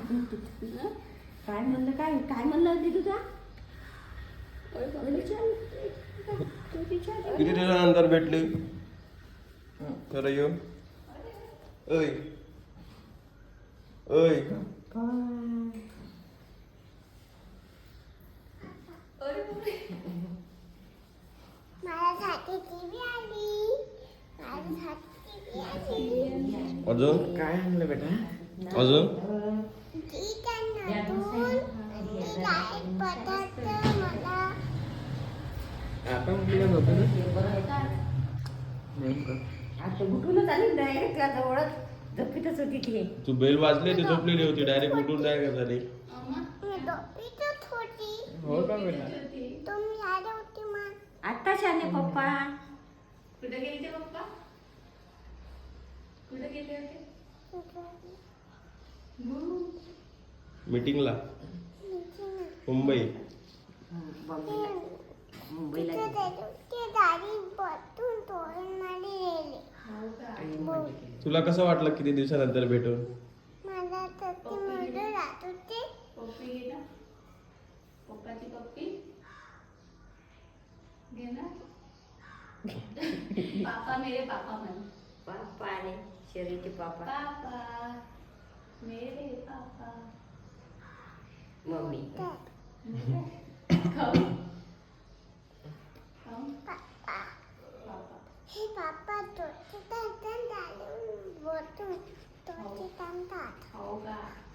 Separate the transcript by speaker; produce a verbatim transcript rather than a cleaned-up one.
Speaker 1: काय म्हणलं काय काय म्हणलं दिदू तुझा
Speaker 2: किती दिवसानंतर भेटली खरं येऊ ऐ ऐ अजून
Speaker 3: काय आणलं बेटा?
Speaker 2: अजून
Speaker 3: आता म्हटलं नव्हतं ना?
Speaker 1: आता उठूनच आली डायरेक्ट त्या जवळच झोपीतच होती ती.
Speaker 2: तू बेल वाजली ती झोपलेली होती डायरेक्ट उठून डायरेक्ट झाली.
Speaker 3: हो का बेटा?
Speaker 1: आता शाने पप्पा
Speaker 4: कुठे गेले ते पप्पा? कुठे गेले होते?
Speaker 2: मीटिंगला मुंबई
Speaker 1: मुंबईला
Speaker 2: तुला कसं वाटलं किती दिवसानंतर भेटून?
Speaker 4: पप्पी घे ना, पप्पाची पप्पी घे ना. पापा मेरे पापा म्हण.
Speaker 1: पापा आले शरीरचे पापा
Speaker 4: पापा मेरे पापा.
Speaker 1: मम्मी
Speaker 4: खाऊ खाऊ पापा.
Speaker 5: हे पापा तो चिता चिता डाले बोलतो तो चिता
Speaker 4: खाऊ का?